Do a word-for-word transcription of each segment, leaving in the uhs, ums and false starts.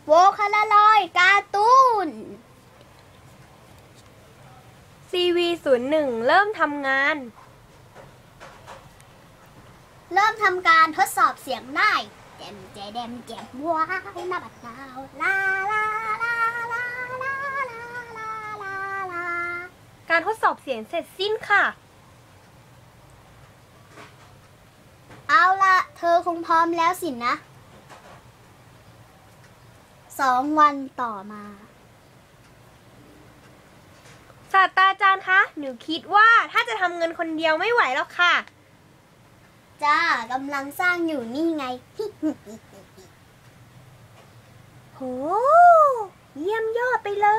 โวคาลารอยการ์ตูนซี วี ศูนย์ หนึ่ง เริ่มทำงานเริ่มทำการทดสอบเสียงได้แจมแจแดมแจมว้าวนาบัดนาวลาลาลาลาลาลาลาลาลาการทดสอบเสียงเสร็จสิ้นค่ะเอาละเธอคงพร้อมแล้วสินะสองวันต่อมาศาสตราจารย์คะ หนูคิดว่าถ้าจะทำเงินคนเดียวไม่ไหวแล้วค่ะจ้ากำลังสร้างอยู่นี่ไงโห เยี่ยมยอดไปเลย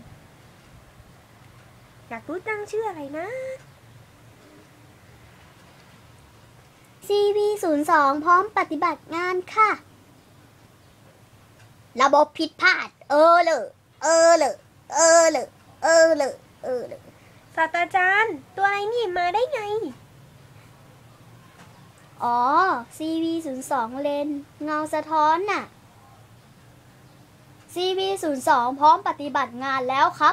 อยากรู้จังชื่ออะไรนะซี วี ศูนย์ สอง พร้อมปฏิบัติงานค่ะ ระบบผิดพลาด เออเลยเออเลยเออเลยเออเลยเออเลยศาสตราจารย์ ตัวอะไรนี่มาได้ไงอ๋อ ซี วี ศูนย์ สอง เลนเงาสะท้อนน่ะ ซี วี ศูนย์ สอง พร้อมปฏิบัติงานแล้วครับ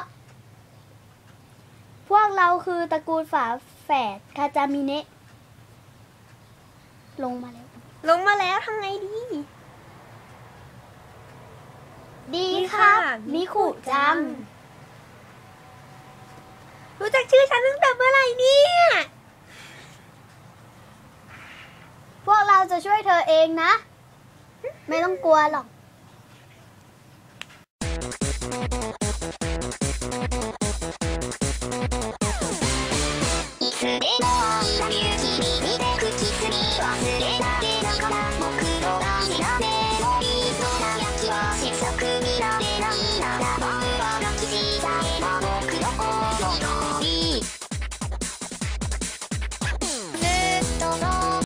พวกเราคือตระกูลฝาแฝดคาจามิเนะลงมาแล้วลงมาแล้วทำไงดีดีครับ มิคุจังรู้จักชื่อฉันตั้งแต่เมื่อไหร่เนี่ยพวกเราจะช่วยเธอเองนะ ไม่ต้องกลัวหรอก